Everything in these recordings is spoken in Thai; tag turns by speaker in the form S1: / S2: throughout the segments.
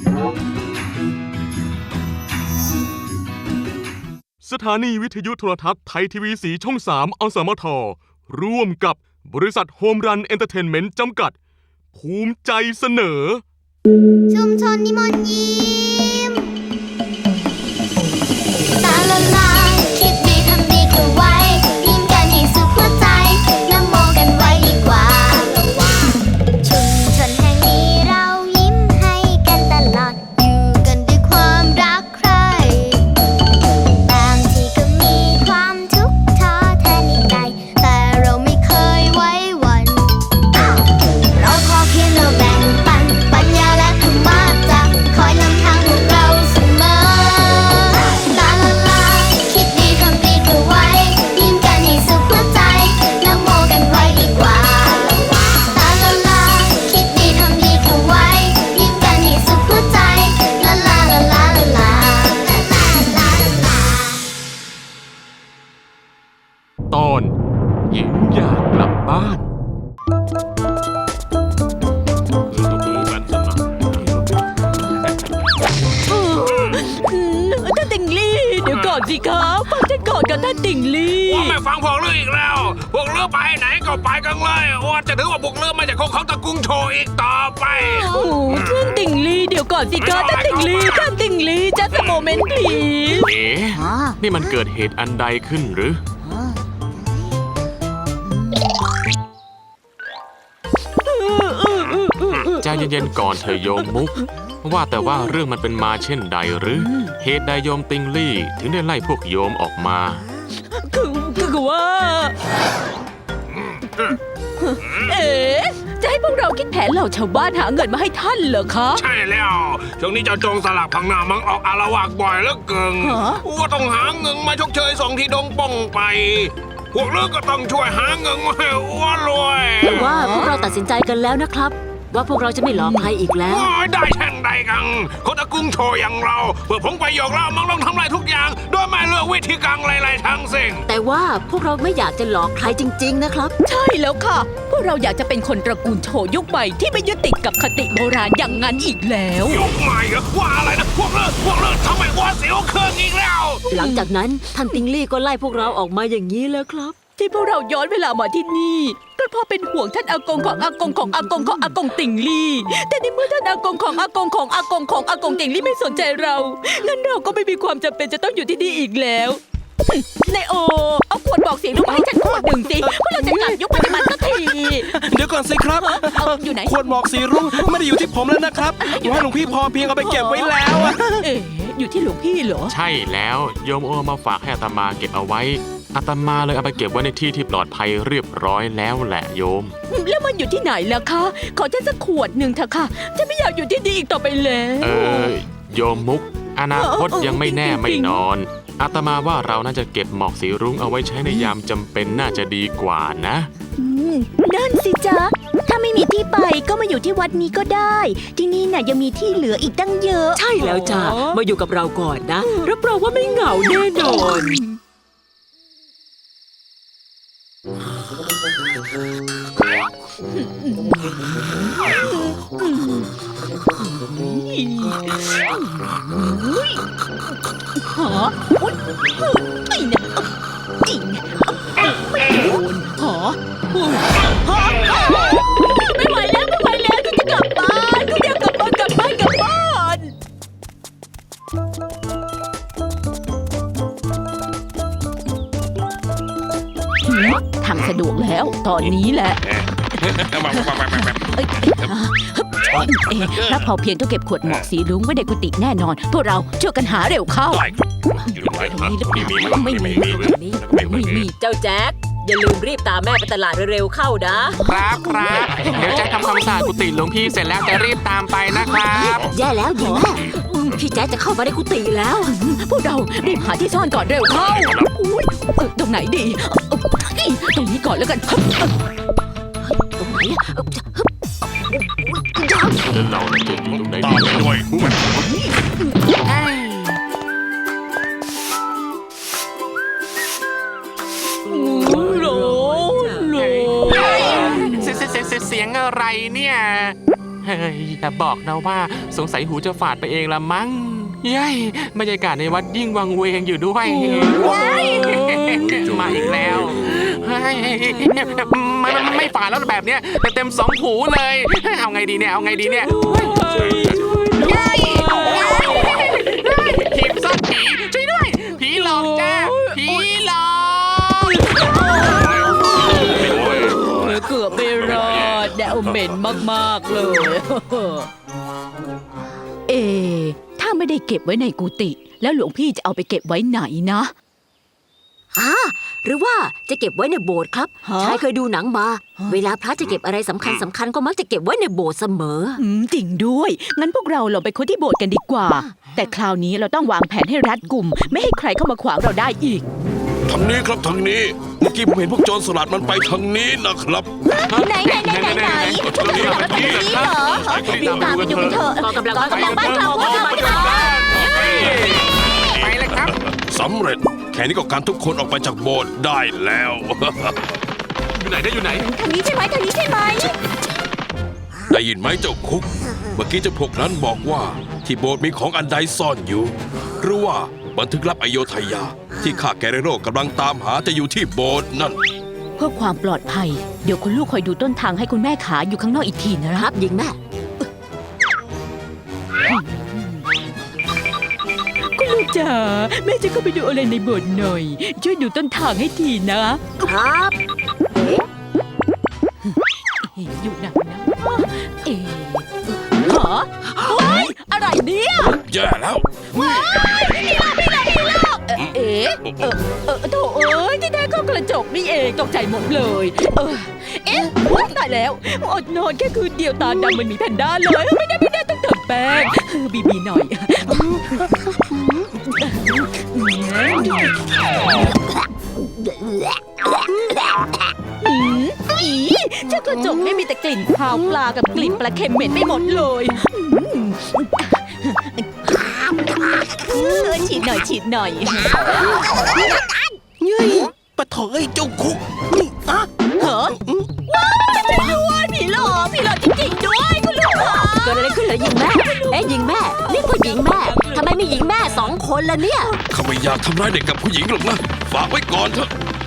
S1: สถานีวิทยุโทรทัศน์ไทยทีวีสีช่อง 3 อสมท ร่วมกับบริษัทโฮมรันเอนเตอร์เทนเมนต์จำกัดภูมิใจเสนอ
S2: ชุมชนนิมนต์ยิ้มตาละลายคิดดีทำดีเข้าไว้ยิ้มกันให้สุขหัวใจนโมกันไว้ดีกว่าชุมชนแห่งนี้เรายิ้มให้กันตลอดอยู่กันด้วยความรักใคร่บางทีก็มีความทุกข์ท้อแท้ในใจแต่เราไม่เคยไว้วันเราขอเพียงเราแบ่งปันปัญญาและธรรมะจะคอยนำทางพวกเราเสมอลาลาลาคิดดีทำดีเข้าไว้ยิ้มกันให้สุขหัวใจนโมกันไว้ดีกว่าลาลาลาคิดดีทำดีเข้าไว้ยิ้มกันให้สุขหัวใจลาลาลาลาลาลาลาลา
S1: ตอนหญิงอยากกลับบ้าน
S3: ท่านติงลี่เดี๋ยวก่อนสิครับฟังฉันก่อนกับท่านติงลี่
S4: ว่าไม่ฟังพวกเลืออีกแล้วพวกเลือไปไหนก็ไปกันเลยว่าจะถือว่าพวกเลือไม่ใช่ของตระกูลโชอีกต่อไป
S3: ท่านติงลี่เดี๋ยวก่อนสิครับท่านติงลี่จัดสโมเมนต์พลีส
S1: นี่มันเกิดเหตุอันใดขึ้นหรือใจเย็นๆก่อนเธอโยมมุกว่าแต่ว่าเรื่องมันเป็นมาเช่นใดหรือเหตุใดโยมติงลี่ถึงได้ไล่พวกโยมออกมา
S3: คือว่าจะให้พวกเราคิดแผนเหล่าชาวบ้านหาเงินมาให้ท่านเหรอคะ
S4: ใช่แล้วช่วงนี้เจ้าโจงสลักพังนามังออกอาละวาดบ่อยแล้วเกินว่าต้องหาเงินมาชดเชยส่งที่ดงป้องไปพวกเลือก็ต้องช่วยหาเงินมาให้อ้วนรวย
S5: แต่ว่าพวกเราตัดสินใจกันแล้วนะครับว่าพวกเราจะไม่หลอกใครอีกแล้ว
S4: ได้แช่งใดกันคนตระกูลโชอย่างเราเพื่อผงประโยชน์เรามังลงทำลายทุกอย่างโดยไม่เลือกวิธีการอะไรๆทั้งสิ้น
S5: แต่ว่าพวกเราไม่อยากจะหลอกใครจริงๆนะครับ
S3: ใช่แล้วค่ะพวกเราอยากจะเป็นคนตระกูลโชยุคใหม่ที่ไม่ยึดติดกับคติโบราณอย่างนั้นอีกแล้ว
S4: ยุคใหม่เหรอว่าอะไรนะพวกเลิกทำไมว่าเสียวเครื่องอีกแล้ว
S5: หลังจากนั้นท่านติงลี่ก็ไล่พวกเราออกมาอย่างนี้แล้วครับ
S3: ที่พวกเราย้อนเวลามาที่นี่ก็เพราะเป็นห่วงท่านอากงของอากงของอากงของอากงติงลี่แต่ในเมื่อท่านอากงของอากงของอากงของอากงติงลี่ไม่สนใจเรางั้นเราก็ไม่มีความจำเป็นจะต้องอยู่ที่นี่อีกแล้วนายโอเอาขวดบอกเสียงลูกมาให้ฉันขวดหนึ่งสิเพราะเราจะกลับยุคปัจจุบันสักที
S6: เดี๋ยวก่อนสิครับ
S3: อยู่ไหน
S6: ขวดบอกสีรุ่งไม่ได้อยู่ที่ผมแล้วนะครับอยู่ให้หลวงพี่พอเพียงเอาไปเก็บไว้แล้ว
S3: อยู่ที่หลวงพี่เหรอ
S1: ใช่แล้วโยมโอมาฝากให้อาตมาเก็บเอาไว้อาตมาเลยเอาไปเก็บไว้ในที่ที่ปลอดภัยเรียบร้อยแล้วแหละโยม
S3: แล้วมันอยู่ที่ไหนล่ะคะขอฉันสักขวดหนึ่งเถอะค่ะฉันไม่อยากอยู่ที่นี่อีกต่อไปแล้ว
S1: โยมมุกอนาคตยังไม่แน่ไม่นอนอาตมาว่าเราน่าจะเก็บหมอกสีรุ้งเอาไว้ใช้ในยามจำเป็นน่าจะดีกว่านะ
S2: นั่นสิจ๊ะถ้าไม่มีที่ไปก็มาอยู่ที่วัดนี้ก็ได้ที่นี่น่ะยังมีที่เหลืออีกตั้งเยอะ
S5: ใช่แล้วจ้ะมาอยู่กับเราก่อนนะรับรองว่าไม่เหงาแน่นอน
S3: หาไอ้เนี่ยไม่โดนหาไม่ไหวแล้วฉันจะกลับบ้านฉันอยากกลับบ้านทางสะดวกแล้วตอนนี้แหละถ้าพอเพียงต้องเก็บขวดหมอกสีรุ้งไว้ในกุฏิแน่นอนพวกเราช่วยกันหาเร็วเข้า
S5: ไม่มีเจ้าแจ็คอย่าลืมรีบตามแม่ไปตลาดเร็วๆเข้า
S1: นะครับเดี๋ยวแจ็คทำความสะอาดกุฏิหลวงพี่เสร็จแล้วจะรีบตามไปนะครับ
S5: แย่แล้วหญิงแม่พี่แจ็คจะเข้ามาในกุฏิแล้ว
S3: พวกเรารีบหาที่ซ่อนก่อนเร็วเข้าตรงไหนดีตรงนี้ก่อนแล้วกัน
S5: ตรงไหน
S1: เราจะอยู่ตรงไหนดีด้วย
S3: เสียงอะไรเนี่ย
S7: เฮ้ยแต่บอกนะว่าสงสัยหูจะฝาดไปเองละมั้งเย้ยบรรยากาศในวัดยิ่งวังเวงอยู่ด้วยมาอีกแล้วเฮ้ยไม่ฝาดแล้วแบบเนี้ยเต็มสองหูเลยเอาไงดีเนี่ยเอาไงดีเนี่ยทีมซ่อนผีช่วยด้วยผีหลอกจ้าผีหลอก
S3: เกือบไม่รอดแดวเหม็นมากๆเลย ถ้าไม่ได้เก็บไว้ในกุฏิแล้วหลวงพี่จะเอาไปเก็บไว้ไหนนะ
S5: หรือว่าจะเก็บไว้ในโบสถ์ครับ
S3: ฮะ
S5: ชายเคยดูหนังมา เวลาพระจะเก็บอะไรสำคัญก็มักจะเก็บไว้ในโบสถ์เสมอ
S3: จริงด้วย งั้นพวกเราลองไปค้นที่โบสถ์กันดีกว่า แต่คราวนี้เราต้องวางแผนให้รัดกุม ไม่ให้ใครเข้ามาขวางเราได้อีก
S8: ทางนี้ครับทางนี้ เมื่อกี้ผมเห็นพวกโจรสลัดมันไปทางนี้นะครับ
S2: ไหนพวกเราทำแบบนี้เหรอรีบตามไปดูกันเถอะ
S5: กองกำลัง
S2: บ้านเราพวกเรา
S7: ไปเลยครับ
S8: สำเร็จ แค่นี้ก็การทุกคนออกไปจากโบสถ์ได้แล้ว
S1: อยู่ไหนได้อยู่ไหน
S2: ทางนี้ใช่ไหม
S8: ได้ยินไหมเจ้าคุก เมื่อกี้เจ้าพวกนั้นบอกว่าที่โบสถ์มีของอันใดซ่อนอยู่ หรือว่าบันทึกลับอโยธยา ที่ข้าแกเรโร่กำลังตามหาจะอยู่ที่โบสถ์นั่น
S3: เพื่อความปลอดภัย เดี๋ยวคุณลูกคอยดูต้นทางให้คุณแม่ขาอยู่ข้างนอกอีกทีนะ
S5: ค
S3: ค
S5: รั
S3: รั
S5: บบ หญิงแม่
S3: คุณลูกจ๋าแม่จะเข้าไปดูอะไรในโบสถ์หน่อย ช่วยดูต้นทางให้ทีนะ
S5: ครับ
S3: อยู่ไหนนะหรอเฮ้ยอะไรเนี่ย
S8: แย่แล้ว
S3: โถเอ้ยที่แท้ก็กระจกนี่เองตกใจหมดเลยว้ายตายแล้วอดนอนแค่คืนเดียวตาดำมันมีแพนด้าเลยไม่ได้ต้องเติมแป้งบีหน่อยเจ้ากระจกไม่มีแต่กลิ่นคาวปลากับกลิ่นปลาเค็มเหม็นไปหมดเลยฉีดหน่อย
S6: ปะโถเอ้ยเจ้าคุกนี่อะ
S3: เหรอว้าวช่วยด้วยผีหลอกจริงๆด้วยคุณลูกค่ะ
S5: เกิดอะไรขึ้นเหรอหญิงแม่ หญิงแม่ นี่ก็หญิงแม่ทำไมไม่หญิงแม่2 คนล่ะเนี่ย
S8: ข้าไม่อยากทำร้ายเด็กกับผู้หญิงหรอกนะ ฝากไว้ก่อนเถอะ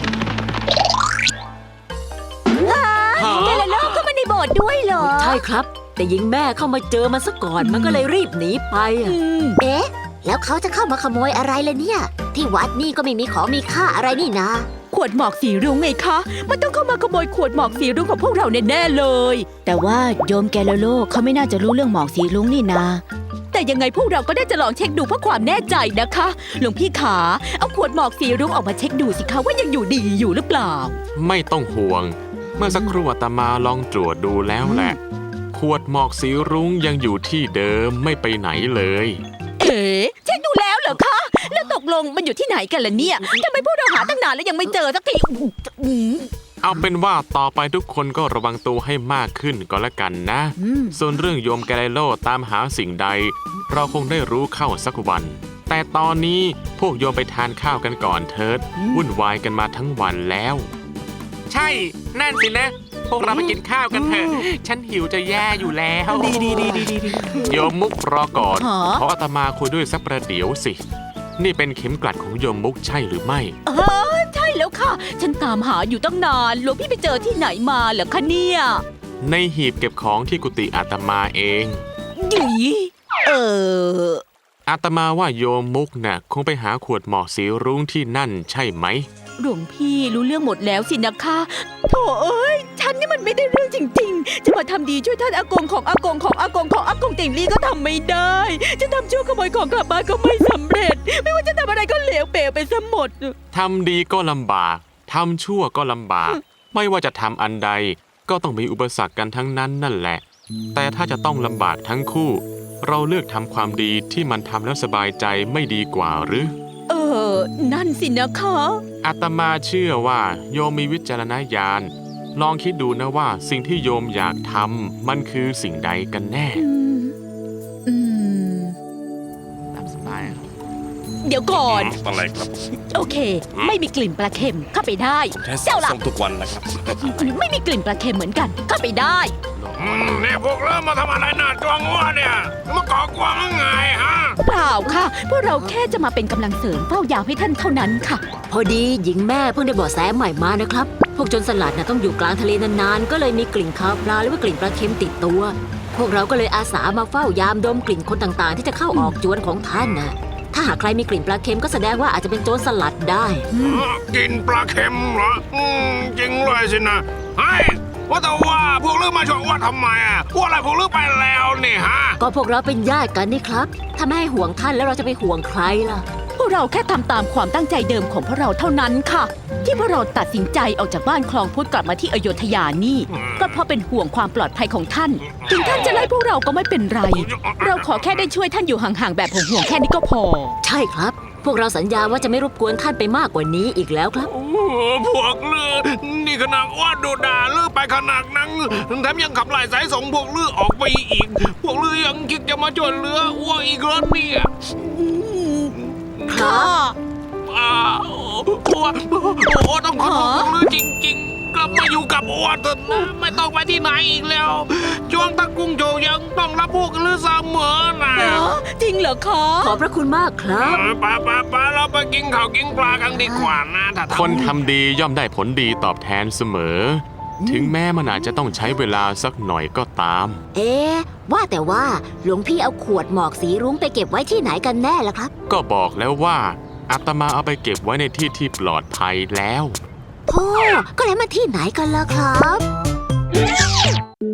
S2: เดลโลเข้ามาในโบสถ์ด้วยเหรอ
S5: ใช่ครับ แต่หญิงแม่เข้ามาเจอมันซะก่อนมันก็เลยรีบหนีไปอะ
S2: เอ๊ะ แล้วเขาจะเข้ามาขโมยอะไรล่ะเนี่ย ที่วัดนี่ก็ไม่มีของมีค่าอะไรนี่นะ
S3: ขวดหมอกสีรุ้งไงคะ มันต้องเข้ามาขโมยขวดหมอกสีรุ้งของพวกเราแน่ๆเลย แต่ว่าโยมแกลโลเขาไม่น่าจะรู้เรื่องหมอกสีรุ้งนี่นา แต่ยังไงพวกเราก็ได้จะลองเช็คดูเพื่อความแน่ใจนะคะ หลวงพี่ขาเอาขวดหมอกสีรุ้งออกมาเช็คดูสิคะว่ายังอยู่ดีอยู่หรือเปล่า
S7: ไม่ต้องห่วง เมื่อสักครู่อาตมาลองตรวจดูแล้วแหละ ขวดหมอกสีรุ้งยังอยู่ที่เดิมไม่ไปไหนเลย
S3: เช็คดูแล้วเหรอคะ แล้วตกลงมันอยู่ที่ไหนกันล่ะเนี่ยทำไมพวกเราหาตั้งนานแล้วยังไม่เจอสักที
S7: เอาเป็นว่าต่อไปทุกคนก็ระวังตัวให้มากขึ้นก็แล้วกันนะ ส่วนเรื่องโยมแกไลโลตามหาสิ่งใด เราคงได้รู้เข้าสักวัน แต่ตอนนี้พวกโยมไปทานข้าวกันก่อนเถิดวุ่นวายกันมาทั้งวันแล้ว ใช่ นั่นสินะ พวกเราไปกินข้าวกันเถอะ ฉันหิวจะแย่อยู่แล้วดีโยมมุกรอก่อน
S3: ฮะ
S7: ขออาตมาคุยด้วยสักประเดี๋ยวสิ นี่เป็นเข็มกลัดของโยมมุกใช่หรือไม่
S3: ใช่แล้วค่ะ ฉันตามหาอยู่ตั้งนานหลวงพี่ไปเจอที่ไหนมาเหรอคะเนี่ย
S7: ในหีบเก็บของที่กุฏิอาตมาเอง
S3: หยี
S7: อาตมาว่าโยมมุกน่ะคงไปหาขวดหมอกสีรุ้งที่นั่นใช่ไหม
S3: หลวงพี่รู้เรื่องหมดแล้วสินะคะโถเอ้ย ฉันนี่มันไม่ได้เรื่องจริงๆ จะมาทำดีช่วยท่านอากงของอากงของอากงของอากงติ่งลี่ก็ทำไม่ได้ จะทำชั่วขโมยของกลับบ้านก็ไม่สำเร็จ ไม่ว่าจะทำอะไรก็เหลวเป๋ไปซะหมด
S7: ทำดีก็ลำบากทำชั่วก็ลำบาก ไม่ว่าจะทำอันใดก็ต้องมีอุปสรรคกันทั้งนั้นนั่นแหละ แต่ถ้าจะต้องลำบากทั้งคู่ เราเลือกทำความดีที่มันทำแล้วสบายใจไม่ดีกว่าหรือ
S3: นั่นสินะคะ
S7: อาตมาเชื่อว่าโยมมีวิจารณญาณ ลองคิดดูนะว่าสิ่งที่โยมอยากทำมันคือสิ่งใดกันแน่ตามสบาย
S3: เดี๋ยวก่อน
S8: อะไรครับ
S3: โอเค ไม่มีกลิ่นปลาเค็มเข้าไปได้
S8: แค่
S3: เจ้าล่ะ
S8: ส่งทุกวันนะครับ
S3: ไม่มีกลิ่นปลาเค็มเหมือนกันเข้าไปได้
S4: เนี่ยพวกเริ่มมาทำอะไรหน้าจวงวะเนี่ยมาก่อกวนยังไงฮะ
S3: เปล่าค่ะพวกเราแค่จะมาเป็นกำลังเสริมเฝ้ายามให้ท่านเท่านั้นค่ะ
S5: พอดีหญิงแม่เพิ่งได้เบาะแสใหม่มานะครับ พวกโจรสลัดน่ะต้องอยู่กลางทะเลนานๆ ก็เลยมีกลิ่นคาวปลาหรือว่ากลิ่นปลาเค็มติดตัว พวกเราก็เลยอาสามาเฝ้ายามดมกลิ่นคนต่างๆ ที่จะเข้าออกจวนของท่านนะถ้าหากใครมีกลิ่นปลาเค็มก็แสดงว่าอาจจะเป็นโจรสลัดได้
S4: กินปลาเค็มเหรอจริงเลยสินะเฮ้ยว่าแต่ว่าพวกเรื่องมาชวนว่าทำไมอ่ะว่าอะไรพวกเรื่องไปแล้วนี่ฮะ
S5: ก็พวกเราเป็นญาติกันนี่ครับ ถ้าไม่ให้ห่วงท่านแล้วเราจะไปห่วงใครล่ะ
S3: พวกเราแค่ทำตามความตั้งใจเดิมของพวกเราเท่านั้นค่ะ ที่พวกเราตัดสินใจออกจากบ้านคลองพุทธกลับมาที่อโยธยานี่ ก็เพราะเป็นห่วงความปลอดภัยของท่าน ถึงท่านจะไล่พวกเราก็ไม่เป็นไร เราขอแค่ได้ช่วยท่านอยู่ห่างๆแบบห่วงๆแค่นี้ก็พอ
S5: ใช่ครับ พวกเราสัญญาว่าจะไม่รบกวนท่านไปมากกว่านี้อีกแล้วครับ
S4: พวกเลือนี่ขนาดว่าดูด่าเลือไปขนาดนั้นแถมยังขับไล่สายส่งพวกเลือออกไปอีก พวกเลือยังคิดจะมาจวนเรือว่าอีกรถเนี่ย
S5: ครับ
S4: โอ้ต้องขอโทษพวกเลือจริงๆกลับมาอยู่กับอ้วนเถอะนะไม่ต้องไปที่ไหนอีกแล้วช่วงตะกุ้งโจยังต้องรับพวกเลือเสมอนะ
S3: จริงเหรอคะ
S5: ขอบพระคุณมากครับ
S4: ไปเราไปกินข้าวกินปลากันดีกว่านะถ้า
S7: คนทำดีย่อมได้ผลดีตอบแทนเสมอ ถึงแม้มันอาจจะต้องใช้เวลาสักหน่อยก็ตาม
S5: เอ๊ะว่าแต่ว่าหลวงพี่เอาขวดหมอกสีรุ้งไปเก็บไว้ที่ไหนกันแน่ล่ะครับ
S7: ก็บอกแล้วว่าอาตมาเอาไปเก็บไว้ในที่ที่ปลอดภัยแล้ว
S5: โธ่ก็แล้วมาที่ไหนกันล่ะครับ